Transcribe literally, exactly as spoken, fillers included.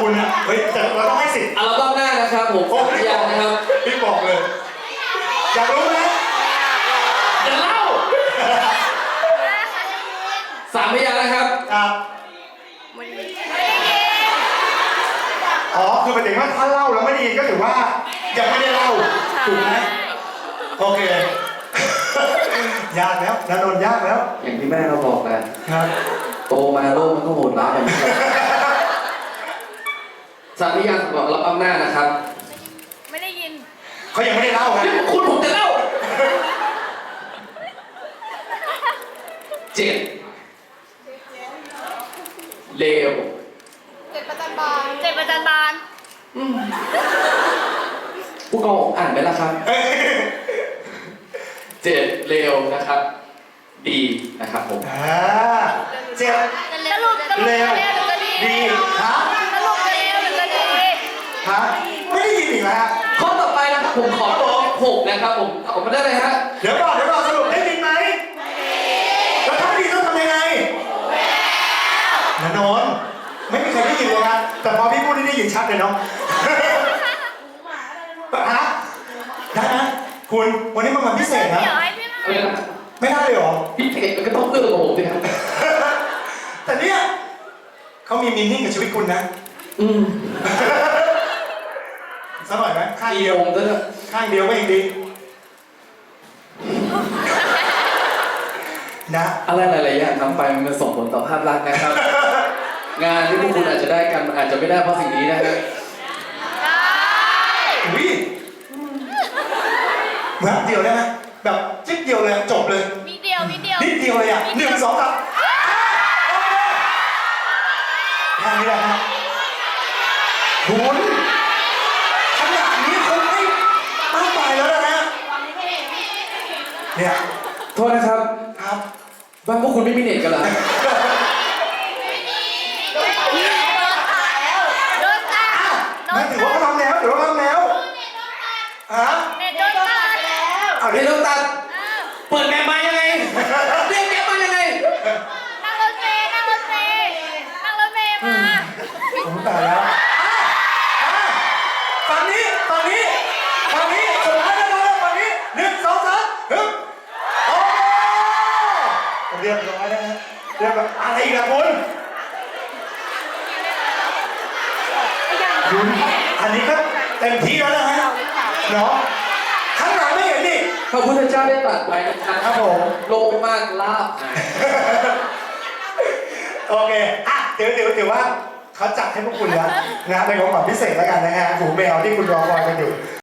คุณนะเฮ้ยแต่เราต้องให้สิทธิ์อัลบั้มหน้านะครับผมสามพยางค์นะครับพี่บอกเลยอยากรู้ไหมจะเล่าสามพยางค์นะครับครับอ๋อคือหมายถึงว่าถ้าเล่าแล้วไม่ได้ยินก็ถือว่ายังไม่ได้เล่าถูกไหมโอเคยากแล้วนาโดนยากแล้วอย่างที่แม่เราบอกแหละครับโตมาโลกมันก็โหดร้ายแบบนี้สามพยางค์สำหรับอัลบั้มหน้านะครับไม่ได้ยินเขายังไม่ได้เล่าครับคุณผมจะเล่าเจ็ดเลวเจ็ดประจันบานเจ็ดประจันบานผู้กองอ่านไหมล่ะครับเจ็ดเลวนะครับ ดีนะครับผมอ่าเจ็บสรุปสรุปเร็วจะเร็วหรือจะดีดีฮะสรุปจะเร็วหรือจะดีฮะไม่ได้ยินอีกแล้วฮะข้อต่อไปนะครับผมขอตัวหกนะครับผมตอบมาได้เลยฮะเดี๋ยวก่อนเดี๋ยวก่อนสรุปได้ยินไหมแล้วถ้าไม่ดีต้องทำยังไงนาโนนไม่มีใครได้ยินเลยนะแต่พอพี่พูดนี่ได้ยินชัดเลยเนาะฮะได้ไหมคุณวันนี้มันวันพิเศษนะเดี๋ยวให้พี่มาอะไรนะไม่ได้เลยเหรอพี่เอกมันก็ต้องเอื้อกับผมสิครับแต่เนี่ยเขามีมินนิ่งกับชีวิตคุณนะอืมสักหน่อยไหมข้างมีเดียวองค์ด้วยนะข้างเดียวก็ยังดีนะอะไรหลายๆอย่างทำไปมันส่งผลต่อภาพลักษณ์นะครับ งานที่พวกคุณอาจจะได้กันมันอาจจะไม่ได้เพราะสิ่งนี้นะฮะอุ้ยแวบเดียวได้ไหมแบบจิ๊บเดียวเลยจบเลยมีเดียวมีเดียวนิดเดียวเลยอ่ะหนึ่งสองสามแค่นี้แหละครับคุณขนาดนี้คงไม่มากไปแล้วนะฮะเนี่ยโทษนะครับครับบ้านพวกคุณไม่มีเน็ตกันเหรอโดนตัดไม่ถือว่าเขาทำแล้วถือว่าเขาทำแล้วฮะเน็ตโดนตัดแล้วเอาเดี๋เดี๋ยยว วเราตัด เปิดแมปมายังไงเรียกแมปมายังไงนั่งรถเมล์นั่งรถเมล์นั่งรถเมล์มาผมตายแล้วอ่ะอ่ะฝั่งนี้ฝั่งนี้ฝั่งนี้สุดท้ายแล้วนะฝั่งนี้หนึ่งสองสามฮึบโอ้เรียบร้อยแล้วฮะเรียบร้อยอะไรอีกล่ะคุณคุณอันนี้ก็เต็มที่แล้วนะฮะเนาะข้างหลังไม่เห็นนี่พระพุทธเจ้าได้ตรัสไว้นะครับครับผมโลภมากลาภหายโอเคอ่ะเดี๋ยวเดี๋ยวเดี๋ยวว่าเขาจัดให้พวกคุณแล้วนะเป็นของขวัญพิเศษแล้วกันนะฮะหูแมวที่คุณรอคอยกันอยู่